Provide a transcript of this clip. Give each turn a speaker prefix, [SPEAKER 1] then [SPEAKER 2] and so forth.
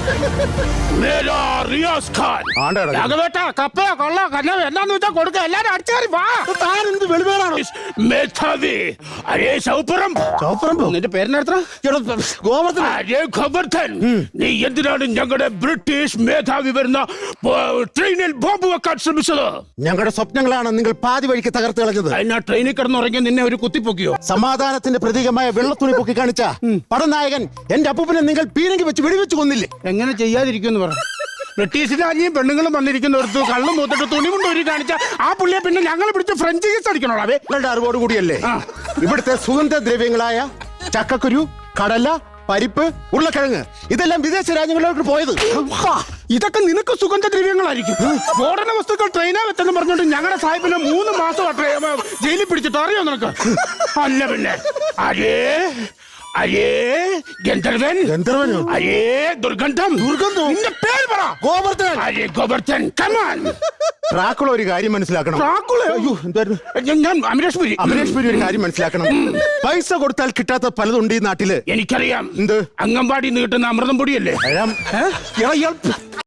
[SPEAKER 1] മേരാ റിയാസ് ഖാൻ. രാഘവേട്ടാ, കപ്പയോ കൊള്ളോ കല്ലോ എന്നാന്ന് വെച്ചാൽ കൊടുക്ക. എല്ലാരും അടിച്ചേറി വാ.
[SPEAKER 2] താൻ എന്ത് വെളിവേടാണോ?
[SPEAKER 1] മേധാവി അരേ സൗപറമ്പ്. നിന്റെ പേരിനെത്ര?
[SPEAKER 2] ഗോവർദ്ധൻ.
[SPEAKER 1] അരേ ഗോവർദ്ധൻ, നീ എന്തിനാണ് ഞങ്ങളുടെ ബ്രിട്ടീഷ് മേധാവി വരുന്ന ട്രെയിനിൽ ബോംബ് വെക്കാൻ ശ്രമിച്ചത്?
[SPEAKER 2] ഞങ്ങളുടെ സ്വപ്നങ്ങളാണ് നിങ്ങൾ പാതി വഴിക്ക് തകർത്ത് കളഞ്ഞത്.
[SPEAKER 1] അതിനാ ട്രെയിനിൽ കിടന്നുറങ്ങി നിന്നെ ഒരു കുത്തിപ്പൊക്കിയോ?
[SPEAKER 2] സമാധാനത്തിന്റെ പ്രതീകമായ വെള്ളത്തുണി പൊക്കി കാണിച്ച പടനായകൻ എന്റെ അപ്പൂപ്പനെ നിങ്ങൾ പീരങ്കി വെച്ച് വെടിവെച്ച് കൊന്നില്ലേ?
[SPEAKER 1] എങ്ങനെ ചെയ്യാതിരിക്കുമെന്ന് പറഞ്ഞു. ബ്രിട്ടീഷ് രാജ്യം പെണ്ണുങ്ങളും വന്നിരിക്കുന്നവർക്ക് കള്ളും മൂത്തിട്ട് തുണി കൊണ്ട് ഒരു കാണിച്ച ആ പുള്ളിയെ പിന്നെ ഞങ്ങൾ പിടിച്ച് ഫ്രഞ്ച് കേസ് അടിക്കണോളാവേ.
[SPEAKER 2] നിങ്ങളുടെ അറിവോട് കൂടിയല്ലേ ഇവിടുത്തെ സുഗന്ധദ്രവ്യങ്ങളായ ചക്കക്കുരു, കടല, പരിപ്പ്, ഉരുളക്കിഴങ്ങ് ഇതെല്ലാം വിദേശ രാജ്യങ്ങളിലോട്ട് പോയത്?
[SPEAKER 1] ഇതൊക്കെ നിനക്ക് സുഗന്ധദ്രവ്യങ്ങളായിരിക്കും. സ്ഫോടന വസ്തുക്കൾ ട്രെയിനാകത്തെന്ന് പറഞ്ഞോണ്ട് ഞങ്ങളുടെ സാഹിബിനെ 3 മാസം ജയിലിൽ പിടിച്ചിട്ട് അറിയോ നിനക്ക്? അല്ല പിന്നെ അരേ അരേ ഗന്ധർവൻ.
[SPEAKER 2] ഗന്ധർവനോ?
[SPEAKER 1] അരേ ദുർഗന്ധം. നിന്റെ പേര് പറ.
[SPEAKER 2] ഗോവർദ്ധൻ.
[SPEAKER 1] അരേ ഗോവർദ്ധൻ, കമാൻ.
[SPEAKER 2] ഡ്രാക്കുള ഒരു കാര്യം മനസ്സിലാക്കണം.
[SPEAKER 1] ഞാൻ അമരേഷ് പുരി
[SPEAKER 2] ഒരു കാര്യം മനസ്സിലാക്കണം. പൈസ കൊടുത്താൽ കിട്ടാത്ത പലതുണ്ട് ഈ നാട്ടില്.
[SPEAKER 1] എനിക്കറിയാം.
[SPEAKER 2] എന്ത്?
[SPEAKER 1] അംഗൻവാടി നീട്ടുന്ന അമൃതം പൊടിയല്ലേ?